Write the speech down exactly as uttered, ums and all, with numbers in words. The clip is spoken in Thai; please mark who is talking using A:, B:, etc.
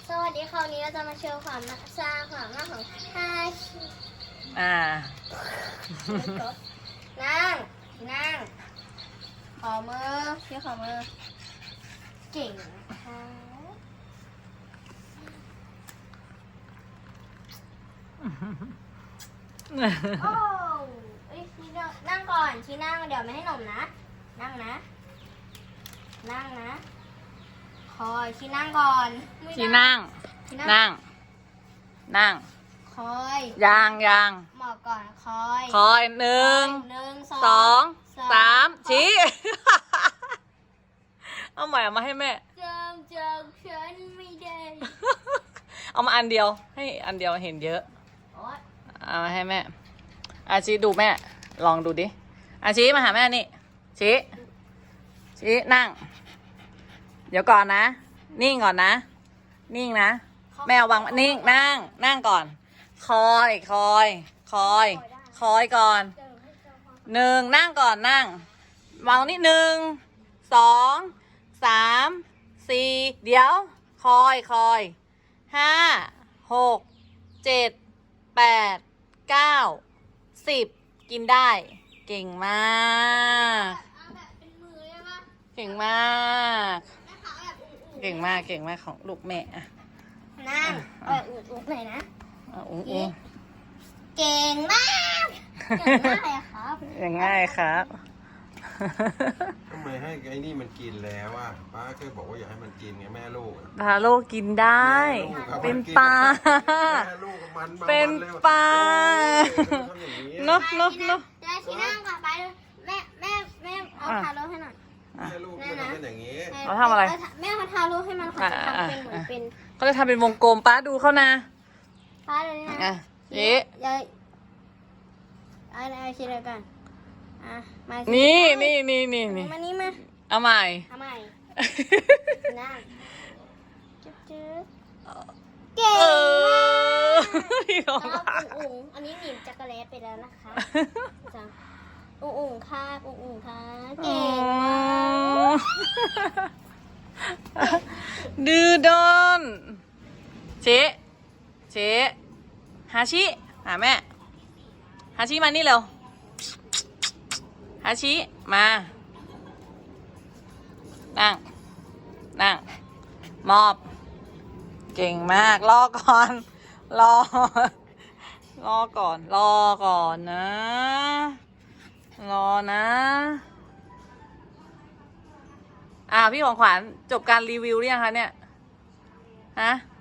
A: สวัสดีค่ะวันนี้เราจะมาโชว์ความสร้างความมากของฮาชิ
B: อ่า
A: นั่งนั่งขอมือชี้ขอมือเก่งค่ะโอ้เอ้ยชี้นั่งก่อนชี้นั่งเดี๋ยวไม่ให้หนมนะนั่งนะนั่งนะคอยชี้นั่งก่อนไม่ได้
B: ที่นั่ง
A: ชี้
B: นั่ง นั่ง
A: คอย
B: ยางยาง
A: หมอบก่อนคอย
B: คอยหนึ่ง
A: หนึ่งส
B: ส
A: อ
B: อง ง สามชี้ เอาใหม่เอามาให้แม่
A: จำจากฉันไม่ได้
B: เอามาอันเดียว ให้อันเดียวเห็นเยอะ
A: โอ๊ย
B: เอามาให้แม่ อาชีดูแม่ ลองดูดิ อาชีมาหาแม่นี่ ชี้ ชี้นั่ง เดี๋ยวก่อนนะ นิ่งก่อนนะ นิ่งนะ แม่เอาวางนิ่งนั่ง นั่งก่อน คอย คอย คอย คอยก่อน
A: เจอให้เจอความ
B: หนึ่งนั่งก่อนนั่ง วางนี่หนึ่ง สอง สาม สี่ เดี๋ยว คอย คอย ห้า หก เจ็ด แปด เก้า สิบ กินได้ เก่งมาก
A: เอาแบบเป็นมือได้ปะ
B: เก่งมาก
A: แม่ขาแบบอุ่นๆ
B: เก่งมาก เก่งมากของลูกแม่อะ
A: นั่งแบบอุ่นๆหน่อยนะ
B: อ่ะอุ้งอุ้ง
A: เก่งมากเก่งมากเลยครับ
B: อย่างง่ายครับ
C: ทำไมให้ไอ้นี่มันกินแล้วอ่ะป้าเคยบอกว่าอย่าให้มันกินไงแม่ลูกอะ
B: พาโลกินได้
C: แม่ลูกอะ
B: เป็น
C: มักิ
B: ปลา
C: แม่ลูกมันบาง
B: เป็น
C: วัลย
B: ปลา
C: โอ้ยทำอย่างนี้
B: เนอะเนอะเนอะ
A: ได้ชี้นั่งก่อนไปเลยแม่แม่แม่เอาทาโร่ให้หน่อย
C: แม่ลูกมันทำเป็นอย่างนี้
B: เขาทำอะไร
A: แม่เอาทาโร่ให้มันค่ะจะทำเป็นเหมือนเป็น
B: เขาจะทำเป็นวงกลมป้าดูเขานะ
A: ป้าเลยนะ
B: อ่ะเอ๊ะ
A: ยายเอาเอาชิ้นเดียวกันอ่ะมาสิ
B: นี่นี่นี่นี่นี่
A: มานี่มา
B: เอาใหม่
A: เอาใหม่นั่งจุ๊บจุ๊บเก่
B: เอง อ
A: มาก
B: พี่ของ
A: แล้ว
B: ป้า
A: อุ๋งอุ๋งอันนี้หนีบจักรแลตไปแล้วนะคะจ้ะอุ๋งอุ๋งค่ะอุ๋งอุ๋งค่ะเก่งมาก
B: ดื้อดอนเจ๊เจ๊ฮาชิหาแม่ฮาชิมานี่เร็วฮาชิมา นั่ง นั่ง มอบ เก่งมาก รอก่อน รอ รอก่อน รอก่อนนะ รอนะ อ่าพี่ของขวัญจบการรีวิวหรือยังคะเนี่ย ฮะ